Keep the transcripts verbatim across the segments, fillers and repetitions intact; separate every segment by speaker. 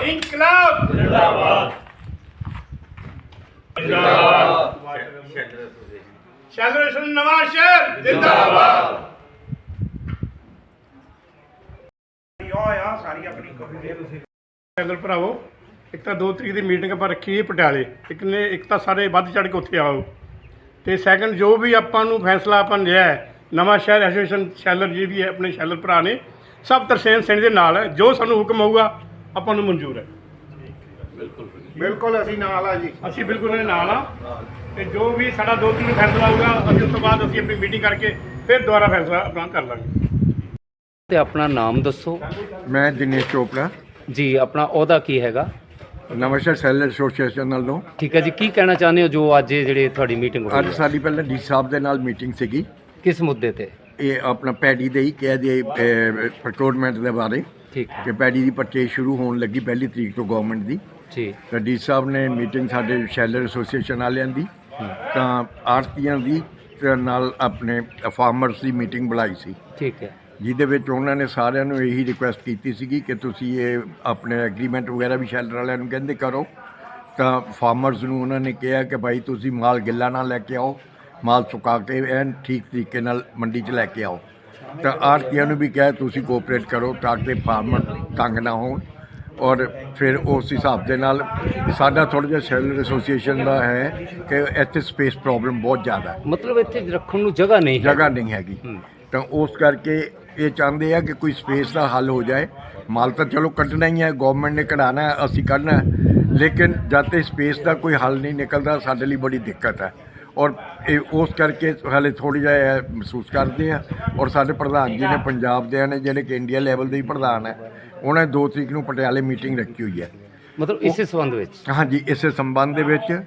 Speaker 1: इनकलाब जिंदाबाद जिंदाबाद शैलर नवांशहर जिंदाबाद शैलर भरावो एक तो दो तरीक की मीटिंग आप रखी है पटियाले एक ने एक तो सारे वध चढ़ के उत्थे आओ तो सैकंड जो भी आपां नूं फैसला आपां लिया है नवांशहर एसोसीएशन शैलर जी भी है अपने शैलर भरा ने सब तरसेम सिंह के नाल है जो सानूं हुक्म होगा आपां नूं मंजूर है बिल्कुल बिल्कुल असीं नाल आ जी असीं बिल्कुल उहदे नाल आ ते जो भी साडा दो तरीक फैसला होगा असीं उस तो बाद असीं अपनी मीटिंग करके फिर दोबारा फैसला अपना कर लांगे।
Speaker 2: ते अपना नाम दसो।
Speaker 3: मैं दिनेश चोपड़ा
Speaker 2: जी अपना अहुदा की हैगा
Speaker 3: नवांशहर शैलर एसोसीएशन नालों।
Speaker 2: ठीक है जी की कहना चाहते हो जो अज जिहड़ी तुहाडी मीटिंग होई
Speaker 3: अज साडी पहले डी साहब दे नाल मीटिंग सीगी
Speaker 2: किस मुद्दे ते
Speaker 3: ये अपना पैडी दे ही कह दिए प्रोक्योरमेंट के बारे
Speaker 2: ठीक
Speaker 3: कि पैडी की परचेज शुरू होने लगी पहली तरीक तो गवर्नमेंट की
Speaker 2: जी
Speaker 3: तो डी साहब ने मीटिंग साडे शैलर एसोसीएशन वालियां दी तां आड़तियां दी ते नाल अपने फार्मर्स की मीटिंग बुलाई सी
Speaker 2: ठीक है
Speaker 3: ਜਿਹਦੇ ਵਿੱਚ ਉਹਨਾਂ ਨੇ ਸਾਰਿਆਂ ਨੂੰ ਇਹੀ ਰਿਕੁਐਸਟ ਕੀਤੀ ਸੀਗੀ ਕਿ ਤੁਸੀਂ ਇਹ ਆਪਣੇ ਐਗਰੀਮੈਂਟ ਵਗੈਰਾ ਵੀ ਸ਼ੈਲਰ ਵਾਲਿਆਂ ਨੂੰ ਕਹਿੰਦੇ ਕਰੋ ਤਾਂ ਫਾਰਮਰਸ ਨੂੰ ਉਹਨਾਂ ਨੇ ਕਿਹਾ ਕਿ ਭਾਈ ਤੁਸੀਂ ਮਾਲ ਗਿੱਲਾ ਨਾ ਲੈ ਕੇ ਆਓ ਮਾਲ ਸੁਕਾ ਕੇ ਐਨ ਠੀਕ ਤਰੀਕੇ ਨਾਲ ਮੰਡੀ 'ਚ ਲੈ ਕੇ ਆਓ ਤਾਂ ਆੜ੍ਹਤੀਆਂ ਨੂੰ ਵੀ ਕਿਹਾ ਤੁਸੀਂ ਕੋਆਪਰੇਟ ਕਰੋ ਤਾਂ ਕਿ ਫਾਰਮਰ ਤੰਗ ਨਾ ਹੋਣ ਔਰ ਫਿਰ ਉਸ ਹਿਸਾਬ ਦੇ ਨਾਲ ਸਾਡਾ ਥੋੜ੍ਹਾ ਜਿਹਾ ਸ਼ੈਲਰ ਐਸੋਸੀਏਸ਼ਨ ਦਾ ਹੈ ਕਿ ਇੱਥੇ ਸਪੇਸ ਪ੍ਰੋਬਲਮ ਬਹੁਤ ਜ਼ਿਆਦਾ ਹੈ
Speaker 2: ਮਤਲਬ ਇੱਥੇ ਰੱਖਣ ਨੂੰ ਜਗ੍ਹਾ ਨਹੀਂ
Speaker 3: ਜਗ੍ਹਾ ਨਹੀਂ ਹੈਗੀ ਤਾਂ ਉਸ ਕਰਕੇ ये चाहते हैं कि कोई स्पेस का हल हो जाए माल तो चलो कटना ही है गवर्नमेंट ने कढ़ाना है असी करना है लेकिन जब तक स्पेस का कोई हल नहीं निकलता साढ़े लिए बड़ी दिक्कत है और उस करके हाले थोड़ी जहा महसूस करते हैं और साढ़े प्रधान जी ने पंजाब दे ने जिहड़े कि इंडिया लैवल के ही प्रधान है उन्हें दो तरीक को पटियाले मीटिंग रखी हुई है
Speaker 2: मतलब इस संबंध में
Speaker 3: हाँ जी इस संबंध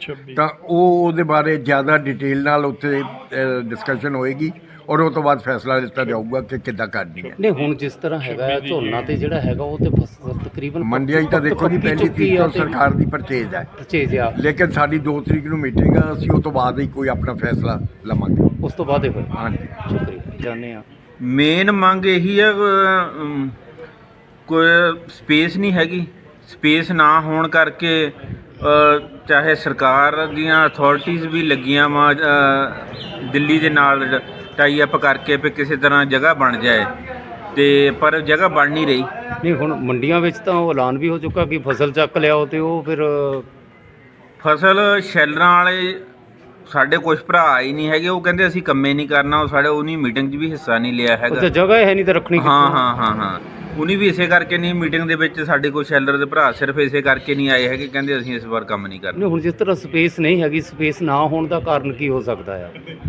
Speaker 3: तो वो बारे ज़्यादा डिटेल नाल उत्थे डिस्कशन होएगी और वो तो बाद फैसला लिता जाऊगा कि किद्दां करनी है
Speaker 2: नहीं हुण जिस तरह हैगा झोना ते जिहड़ा हैगा वो ते फसल तकरीबन
Speaker 3: मंडियां तो देखो जी पहली तरीक तो सरकार की परचेज है
Speaker 2: परचेज आ
Speaker 3: लेकिन साडी दो तरीक नूं मीटिंग है असीं उस तो बाद ही कोई अपना फैसला लवांगे
Speaker 2: उस तो बाद ही होए
Speaker 3: हाँ जी
Speaker 2: शुक्रिया जाने आ
Speaker 4: मेन मंग यही है अम, कोई स्पेस नहीं हैगी स्पेस ना होने करके अ, चाहे सरकार दियां अथॉरिटीज़ भी लगियां वा दिल्ली दे नाल टाई अप करके भी किसी तरह जगह बन जाए तो पर जगह बन नहीं रही
Speaker 2: नहीं हुण मंडियां विच तां ऐलान भी हो चुका कि फसल चक लियाओ तो वो फिर
Speaker 4: फसल शैलरां वाले साढ़े कुछ भरा ही नहीं है वो कहते असीं कम्मे नहीं करना वो साढ़े उन्हीं मीटिंग भी हिस्सा नहीं लिया है
Speaker 2: अच्छा जगह है नहीं तो रखनी
Speaker 4: हाँ हाँ हाँ हाँ उन्हीं भी इसे करके नहीं मीटिंग दे विच साढ़े कोल शैलर दे भरा सिर्फ इसे करके नहीं आए है कि कहते असीं इस बार काम नहीं करना
Speaker 2: नहीं हुण जिस तरह स्पेस नहीं हैगी स्पेस ना होने का कारण की हो सकता है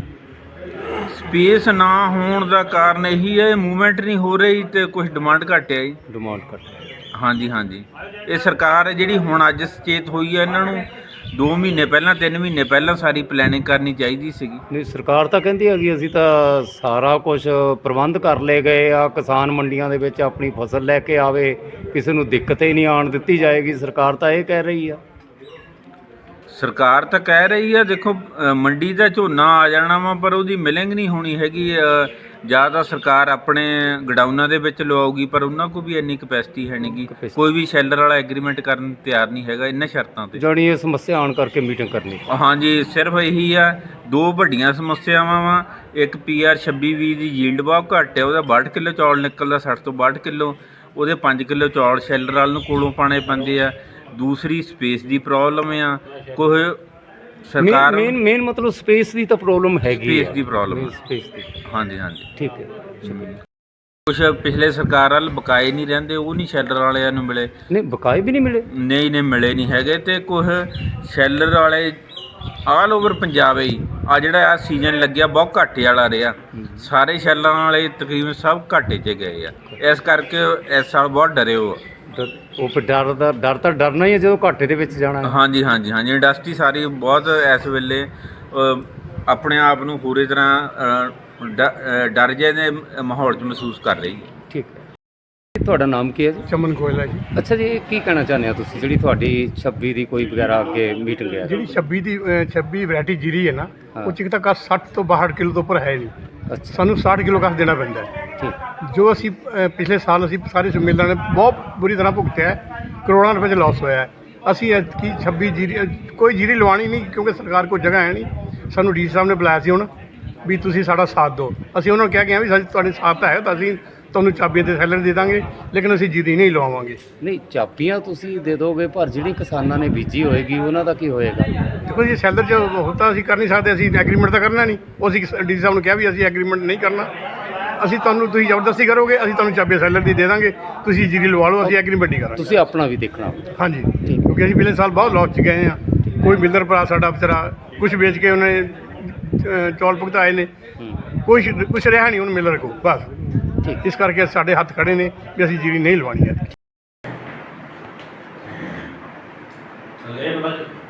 Speaker 4: स्पेस ना होने का कारण यही है मूवमेंट नहीं हो रही तो कुछ डिमांड घट है जी
Speaker 2: डिमांड घट
Speaker 4: हाँ जी हाँ जी ये सरकार जी हुण अज सचेत हुई है इन्हों दो महीने पहला तीन महीने पहला सारी प्लैनिंग करनी चाहिए सी
Speaker 2: नहीं सरकार तो कहती है कि असीं तां सारा कुछ प्रबंध कर ले गए आ किसान मंडियां दे विच अपनी फसल लैके आवे किसी नूं दिक्कत ही नहीं आण दित्ती जाएगी सरकार तो ये कह रही है
Speaker 4: सरकार तो कह रही है देखो मंडी का झोना आ जाना वा पर उसकी मिलिंग नहीं होनी हैगी ज़्यादा सरकार अपने गडाउना दे विच लवाऊगी पर उन्होंने को भी इन्नी कैपेसिटी है नहीं गी कोई भी शैलर वाला एग्रीमेंट करन तैयार नहीं हैगा इन्हां शर्तां ते
Speaker 2: जानी ये समस्या आण करके मीटिंग करनी
Speaker 4: हाँ जी सिर्फ यही है दो वड्डियां समस्यावां वा एक पी आर छब्बी भी की यील्ड बहुत घट है वह बाहठ किलो चौल निकलदा सठ तो बाहठ किलो वो पाँच किलो चौल शैलर वाल नूं कोलों पाने पैंदे आ दूसरी स्पेस की प्रॉब्लम आ कोई सरकार
Speaker 2: मेन मेन मतलब स्पेस की तो प्रॉब्लम हैगी
Speaker 4: स्पेस की प्रॉब्लम
Speaker 2: स्पेस की
Speaker 4: हाँ जी हाँ जी
Speaker 2: ठीक है
Speaker 4: कुछ पिछले सरकार वाल बकाए नहीं रहिंदे वो नहीं शैलर वालिਆਂ ਨੂੰ मिले
Speaker 2: नहीं बकाए भी नहीं मिले
Speaker 4: नहीं नहीं मिले नहीं हैगे ते कुछ शैलर वाले ਆਲ ਓਵਰ ਪੰਜਾਬ ਹੀ ਆ ਜਿਹੜਾ ਆ ਸੀਜ਼ਨ ਲੱਗਿਆ ਬਹੁਤ ਘਾਟੇ ਵਾਲਾ ਰਿਹਾ ਸਾਰੇ ਸ਼ੈਲਰਾਂ ਵਾਲੇ ਤਕਰੀਬਨ ਸਭ ਘਾਟੇ 'ਚ ਗਏ ਆ ਇਸ ਕਰਕੇ ਇਸ ਸਾਲ ਬਹੁਤ ਡਰੇ ਹੋ
Speaker 2: ਉਹ ਫਿਰ ਡਰ ਦਾ ਡਰ ਤਾਂ ਡਰਨਾ ਹੀ ਹੈ ਜਦੋਂ ਘਾਟੇ ਦੇ ਵਿੱਚ ਜਾਣਾ
Speaker 4: ਹਾਂਜੀ ਹਾਂਜੀ ਹਾਂਜੀ ਇੰਡਸਟਰੀ ਸਾਰੀ ਬਹੁਤ ਇਸ ਵੇਲੇ ਆਪਣੇ ਆਪ ਨੂੰ ਪੂਰੀ ਤਰ੍ਹਾਂ ਡਰ ਜਿਹੇ ਦੇ ਮਾਹੌਲ 'ਚ ਮਹਿਸੂਸ ਕਰ ਰਹੀ ਹੈ
Speaker 2: ਠੀਕ ਹੈ ਤੁਹਾਡਾ ਨਾਮ ਕੀ ਹੈ ਜੀ
Speaker 1: चमन गोयला जी
Speaker 2: ਅੱਛਾ ਜੀ ਕੀ ਕਹਿਣਾ ਚਾਹੁੰਦੇ ਹੋ ਤੁਸੀਂ ਜਿਹੜੀ ਤੁਹਾਡੀ ਛੱਬੀ ਦੀ ਕੋਈ ਵਗੈਰਾ ਅੱਗੇ ਮੀਟਿੰਗ ਹੈ
Speaker 1: ਜਿਹੜੀ ਛੱਬੀ ਦੀ ਅ, ਛੱਬੀ ਵੈਰਾਈਟੀ ਜੀਰੀ ਹੈ ਨਾ ਉਹ ਚ ਇੱਕ ਤਾਂ ਕਸ ਸੱਠ ਤੋਂ ਬਾਹਠ ਕਿਲੋ ਤੋਂ ਉੱਪਰ ਹੈ ਨਹੀਂ
Speaker 2: ਅੱਛਾ
Speaker 1: ਸਾਨੂੰ ਸਾठ ਕਿਲੋ ਕਸ ਦੇਣਾ ਪੈਂਦਾ ਹੈ
Speaker 2: ਠੀਕ
Speaker 1: ਜੋ ਅਸੀਂ ਅ, ਪਿਛਲੇ ਸਾਲ ਅਸੀਂ ਸਾਰੇ ਮਿਲਰਾਂ ਨੇ ਬਹੁਤ ਬੁਰੀ ਤਰ੍ਹਾਂ ਭੁਗਤਿਆ ਹੈ, ਕਰੋੜਾਂ ਰੁਪਏ 'ਚ ਲਾਸ ਹੋਇਆ ਹੈ। ਅਸੀਂ ਐਤਕੀ ਛੱਬੀ ਜੀਰੀ ਅ, ਕੋਈ ਜੀਰੀ ਲਵਾਉਣੀ ਨਹੀਂ ਕਿਉਂਕਿ ਸਰਕਾਰ ਕੋਲ ਜਗ੍ਹਾ ਹੈ ਨਹੀਂ। ਸਾਨੂੰ ਡੀ ਸੀ ਸਾਹਿਬ ਨੇ ਬੁਲਾਇਆ ਸੀ ਹੁਣ ਵੀ ਤੁਸੀਂ ਸਾਡਾ ਸਾਥ ਦਿਓ। ਅਸੀਂ ਉਹਨਾਂ ਨੂੰ ਕਹਿ ਕੇ ਆ ਵੀ ਸਾਡੀ ਤੁਹਾਡੇ ਸਾਥ ਤਾਂ ਹੈ ਤਾਂ ਅਸੀਂ ਤੁਹਾਨੂੰ ਚਾਬੀਆਂ ਤੇ ਸੈਲਰ ਦੇ ਦਾਂਗੇ, ਲੇਕਿਨ ਅਸੀਂ ਜੀਰੀ ਨਹੀਂ ਲਵਾਵਾਂਗੇ।
Speaker 2: ਨਹੀਂ ਚਾਬੀਆਂ ਤੁਸੀਂ ਦੇ ਦੋਗੇ, ਪਰ ਜਿਹੜੀ ਕਿਸਾਨਾਂ ਨੇ ਬੀਜੀ ਹੋਏਗੀ ਉਹਨਾਂ ਦਾ ਕੀ ਹੋਏਗਾ?
Speaker 1: ਦੇਖੋ ਜੀ ਸੈਲਰ 'ਚ ਹੁੰਦਾ ਅਸੀਂ ਕਰ ਨਹੀਂ ਸਕਦੇ, ਅਸੀਂ ਐਗਰੀਮੈਂਟ ਤਾਂ ਕਰਨਾ ਨਹੀਂ। ਉਹ ਅਸੀਂ ਡੀ ਸੀ ਸਾਹਿਬ ਨੂੰ ਕਿਹਾ ਵੀ ਅਸੀਂ ਐਗਰੀਮੈਂਟ ਨਹੀਂ ਕਰਨਾ, ਅਸੀਂ ਤੁਹਾਨੂੰ ਤੁਸੀਂ ਜ਼ਬਰਦਸਤੀ ਕਰੋਗੇ ਅਸੀਂ ਤੁਹਾਨੂੰ ਚਾਬੀਆਂ ਸੈਲਰ ਦੀ ਦੇ ਦਾਂਗੇ, ਤੁਸੀਂ ਜੀਰੀ ਲਵਾ ਲਓ, ਅਸੀਂ ਐਗਰੀਮੈਂਟ ਨਹੀਂ ਕਰਾਂਗੇ।
Speaker 2: ਤੁਸੀਂ ਆਪਣਾ ਵੀ ਦੇਖਣਾ।
Speaker 1: ਹਾਂਜੀ, ਕਿਉਂਕਿ ਅਸੀਂ ਪਿਛਲੇ ਸਾਲ ਬਹੁਤ ਲੌਸ 'ਚ ਗਏ ਹਾਂ। ਕੋਈ ਮਿਲਰ ਭਰਾ ਸਾਡਾ ਵਿਚਾਰਾ ਕੁਛ ਵੇਚ ਕੇ ਉਹਨੇ ਅ, ਚੌਲ ਭੁਗਤਾਏ ਨੇ, ਕੁਛ ਕੁਛ ਰਿਹਾ ਨਹੀਂ ਉਹਨੂੰ ਮਿਲਰ ਕੋਲ ਬਸ।
Speaker 2: ਠੀਕ
Speaker 1: ਇਸ ਕਰਕੇ ਸਾਡੇ ਹੱਥ ਖੜੇ ਨੇ ਵੀ ਅਸੀਂ ਜੀਰੀ ਨਹੀਂ ਲਵਾਉਣੀ ਹੈ।